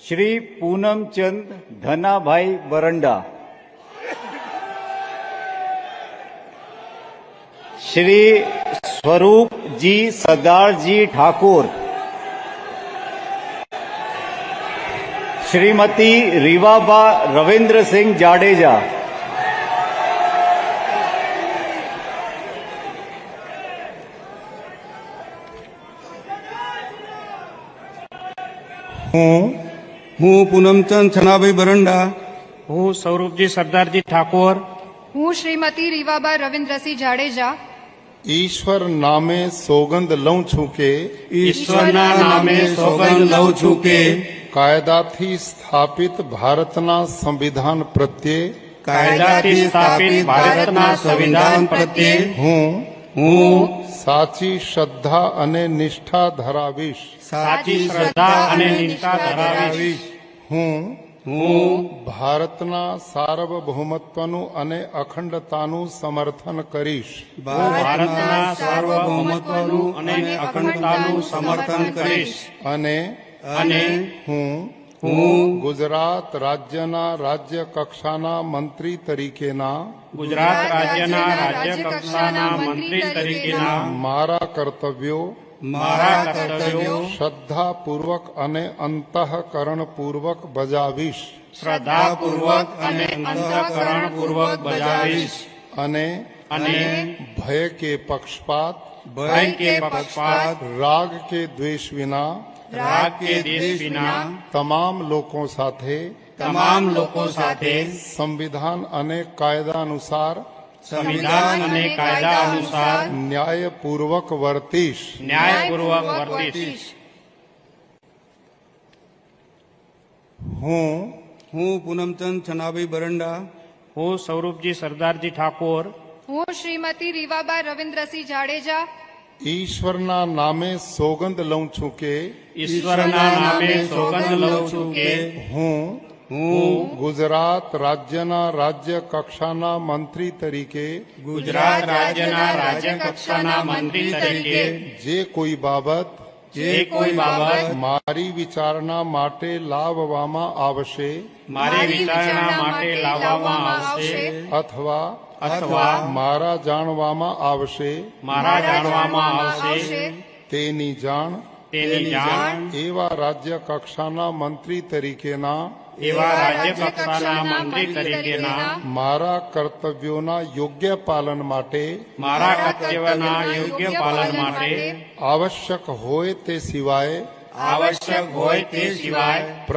श्री पूनमचंद धनाभाई बरंडा, श्री स्वरूप जी सरदार जी ठाकुर, श्रीमती रीवाबा रविंद्र सिंह जाडेजा, હું પૂનમચંદ છનાભાઈ બરંડા, હું સ્વરૂપજી સરદારજી ઠાકોર, હું શ્રીમતી રીવાબા રવિન્દ્રસિંહ જાડેજા ईश्वर नामे सोगंद लઉં છું કે ઈશ્વરના નામે સોગંદ લઉં છું કે કાયદાથી સ્થાપિત ભારતના સંવિધાન પ્રત્યે કાયદાથી સ્થાપિત ભારતના સંવિધાન પ્રત્યે હું હું સાચી શ્રદ્ધા અને નિષ્ઠા ધરાવીશ. સાચી શ્રદ્ધા અને નિષ્ઠા ધરાવીશ. હું હું ભારતના સાર્વભૌમત્વનું અને અખંડતાનું સમર્થન કરીશ. ભારતના સાર્વભૌમત્વનું અને અખંડતાનું સમર્થન કરીશ. અને હું ગુજરાત રાજ્યના રાજ્ય કક્ષાના મંત્રી તરીકેના ગુજરાત રાજ્યના રાજ્ય કક્ષાના મંત્રી તરીકેના મારા કર્તવ્યો શ્રદ્ધાપૂર્વક અને અંતઃકરણપૂર્વક બજાવીશ. શ્રદ્ધાપૂર્વક અને અંતઃકરણપૂર્વક બજાવીશ. અને ભય કે પક્ષપાત રાગ કે દ્વેષ વિના તમામ લોકો સાથે સંવિધાન અને કાયદા અનુસાર ન્યાયપૂર્વક વર્તીશ. હું પૂનમચંદ છનાભાઈ બરંડા, હું સ્વરૂપજી સરદારજી ઠાકોર, હું શ્રીમતી રીવાબા રવિન્દ્રસિંહ જાડેજા ઈશ્વરના નામે સોગંદ લઉં છું કે ઈશ્વરના નામે સોગંદ લઉં છું કે હું હું ગુજરાત રાજ્યના રાજ્ય કક્ષાના મંત્રી તરીકે ગુજરાત રાજ્યના રાજ્ય કક્ષાના મંત્રી તરીકે જે કોઈ બાબત મારી વિચારણા માટે લાવવામાં આવશે અથવા મારા જાણવામાં આવશે તેની જાણ એવા રાજ્ય કક્ષાના મંત્રી તરીકેના મારા કર્તવ્યોના યોગ્ય પાલન માટે આવશ્યક હોય તે સિવાય